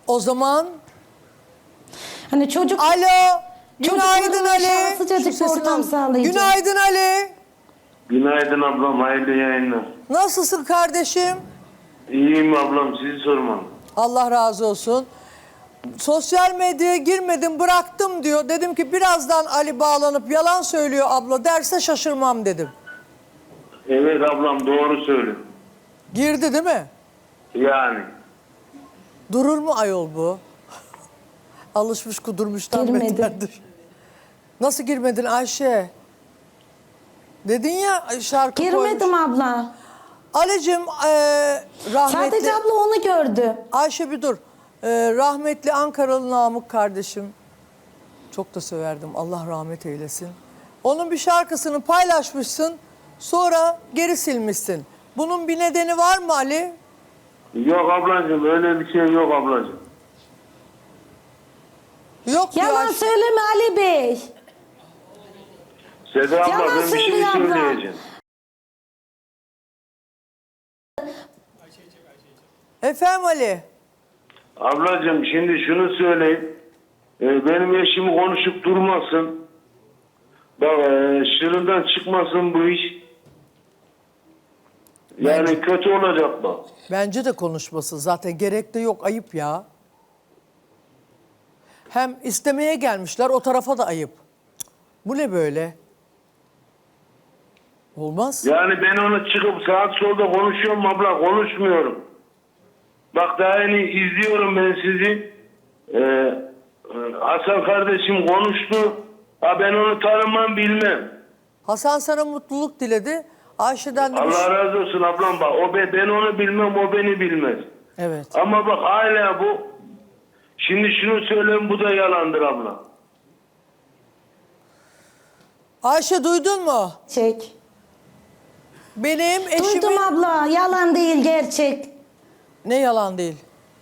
O zaman Hani çocuk... alo. Günaydın Çocukların Ali. yaşaması sıcacık Şu sesini ortam al. sağlayacak. Günaydın Ali. Günaydın ablam, hayırlı yayınlar. Nasılsın kardeşim? İyiyim ablam, sizi sormam. Allah razı olsun. Sosyal medyaya girmedim bıraktım diyor. Dedim ki birazdan Ali bağlanıp yalan söylüyor abla derse şaşırmam dedim. Evet ablam, doğru söylüyor. Girdi değil mi? Yani. Durur mu ayol bu? Alışmış kudurmuştan Girmedi. beterdir. Nasıl girmedin Ayşe? Dedin ya şarkı koymuş. Girmedim abla. Ali'cim rahmetli... Sadece abla onu gördü. Ayşe bir dur. Rahmetli Ankaralı Namık kardeşim. Çok da severdim. Allah rahmet eylesin. Onun bir şarkısını paylaşmışsın. Sonra geri silmişsin. Bunun bir nedeni var mı Ali? Yok ablacığım, öyle bir şey yok ablacığım. Yok diyor Yalan Ayşe. söyleme Ali Bey. Seda abla, Yalan ben bir şey söylüyor abla. söyleyeceğim. Efendim Ali? Ablacığım şimdi şunu söyleyeyim. Benim eşimi konuşup durmasın. Bak şırından çıkmasın bu iş. Yani kötü olacak bak. Bence de konuşması zaten gerek de yok, ayıp ya. Hem istemeye gelmişler, o tarafa da ayıp. Cık, bu ne böyle? Olmaz. Yani ben onu çıkıp saat solda konuşuyorum abla, konuşmuyorum. Bak daha yeni izliyorum ben sizi. Hasan kardeşim konuştu. Ha ben onu tanımam, bilmem. Hasan sana mutluluk diledi. Ayşe'den de... Allah razı olsun ablam bak. Ben onu bilmem, o beni bilmez. Evet. Ama bak hala bu. Şimdi şunu söyleyeyim, bu da yalandır abla. Ayşe duydun mu? Çek. Benim eşimin... Duydum abla. Yalan değil, gerçek. Ne yalan değil?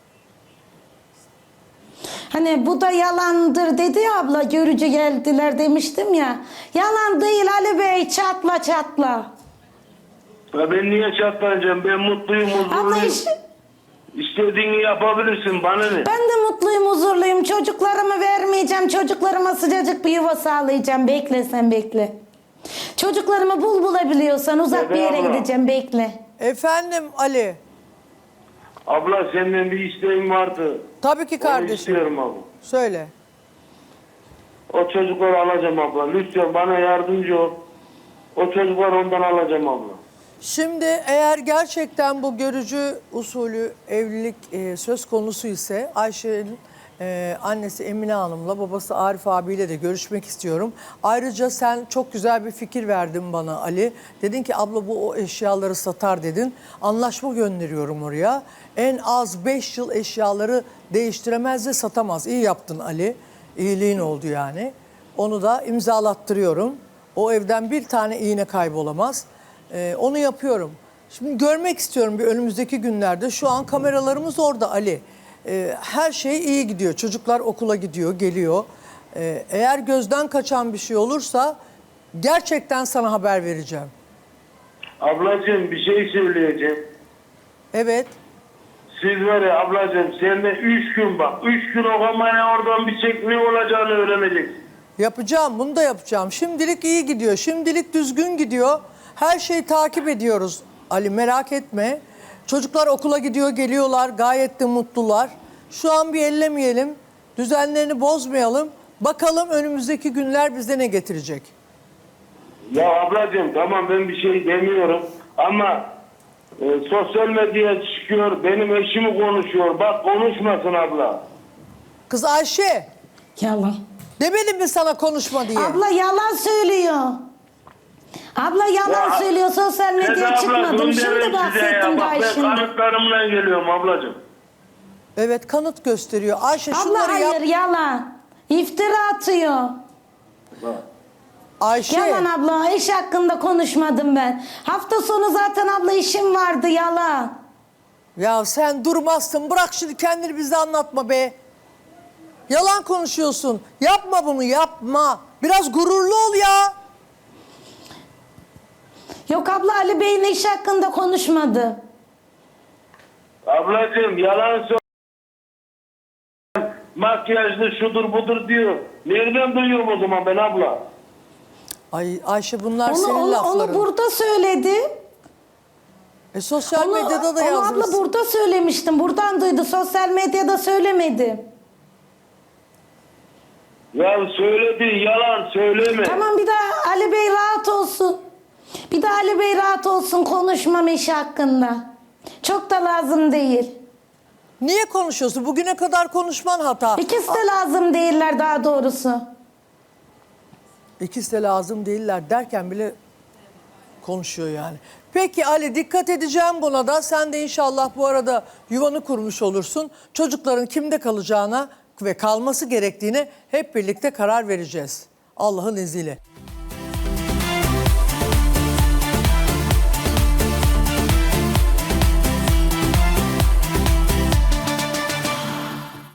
Hani bu da yalandır dedi ya abla. Görücü geldiler demiştim ya. Yalan değil Ali Bey. Çatla çatla. Ya ben niye çatlayacağım? Ben mutluyum, Abla huzurluyum. İstediğini yapabilirsin, bana ne? ben de mutluyum, huzurluyum. Çocuklarımı vermeyeceğim. Çocuklarıma sıcacık bir yuva sağlayacağım. Bekle sen, bekle. Çocuklarımı bulabiliyorsan uzak bir yere Abla. gideceğim. Bekle. Efendim Ali. Abla senden bir isteğim vardı. Tabii ki Onu kardeşim. istiyorum abla. Söyle. O çocukları alacağım abla. Lütfen bana yardımcı ol. O çocukları ondan alacağım abla. Şimdi eğer gerçekten bu görücü usulü evlilik söz konusu ise Ayşe'nin annesi Emine Hanım'la babası Arif abiyle de görüşmek istiyorum. Ayrıca sen çok güzel bir fikir verdin bana Ali. Dedin ki abla bu o eşyaları satar dedin. Anlaşma gönderiyorum oraya. En az 5 yıl eşyaları değiştiremez ve satamaz. İyi yaptın Ali. İyiliğin oldu yani. Onu da imzalattırıyorum. O evden bir tane iğne kaybolamaz. Onu yapıyorum. Şimdi görmek istiyorum bir önümüzdeki günlerde. Şu an kameralarımız orada Ali. Her şey iyi gidiyor. Çocuklar okula gidiyor, geliyor. Eğer gözden kaçan bir şey olursa gerçekten sana haber vereceğim. Ablacığım bir şey söyleyeceğim. Evet. Siz var ya ablacığım, sende 3 gün bak. 3 gün o kamerayı oradan bir çek, ne olacağını öğreneceksin. Yapacağım, bunu da yapacağım. Şimdilik iyi gidiyor, şimdilik düzgün gidiyor. Her şeyi takip ediyoruz Ali, merak etme. Çocuklar okula gidiyor, geliyorlar, gayet de mutlular. Şu an bir ellemeyelim, düzenlerini bozmayalım. Bakalım önümüzdeki günler bize ne getirecek? Ya ablacığım tamam, ben bir şey demiyorum ama sosyal medyaya çıkıyor, benim eşimi konuşuyor. Bak konuşmasın abla. Kız Ayşe, Yalan. demedim mi sana konuşma diye? Abla yalan söylüyor. Abla yalan Ya, söylüyor. Sosyal Seda medyaya abla, çıkmadım. bunu Şimdi derim size bahsettim ya. daha Bak ben şimdi. kanıtlarımla geliyorum ablacığım. Evet, kanıt gösteriyor. Ayşe Abla şunları hayır, yap. yalan. İftira atıyor. Bak. Ayşe, Yalan abla. İş hakkında konuşmadım ben. Hafta sonu zaten abla işim vardı, yalan. ya sen durmazsın. Bırak şimdi kendini bize anlatma be. Yalan konuşuyorsun. Yapma bunu, yapma. Biraz gururlu ol ya. Yok abla, Ali Bey'in iş hakkında konuşmadı. Ablacığım yalan söyle. makyajlı şudur budur diyor. Nereden duyuyorum o zaman ben abla? Ay Ayşe bunlar Onu, senin onu, lafların. onu burada söyledi. Sosyal medyada da onu yazmışsın. abla burada söylemiştim. Buradan duydu. Sosyal medyada söylemedi. Ya söyledi, yalan söyleme. Tamam, bir daha Ali Bey rahat olsun. Bir daha Ali Bey rahat olsun, konuşmam eşi hakkında. Çok da lazım değil. Niye konuşuyorsun? Bugüne kadar konuşman hata. İkisi de lazım değiller daha doğrusu. İkisi de lazım değiller derken bile konuşuyor yani. Peki Ali, dikkat edeceğim buna da. Sen de inşallah bu arada yuvanı kurmuş olursun. Çocukların kimde kalacağına ve kalması gerektiğine hep birlikte karar vereceğiz. Allah'ın izniyle.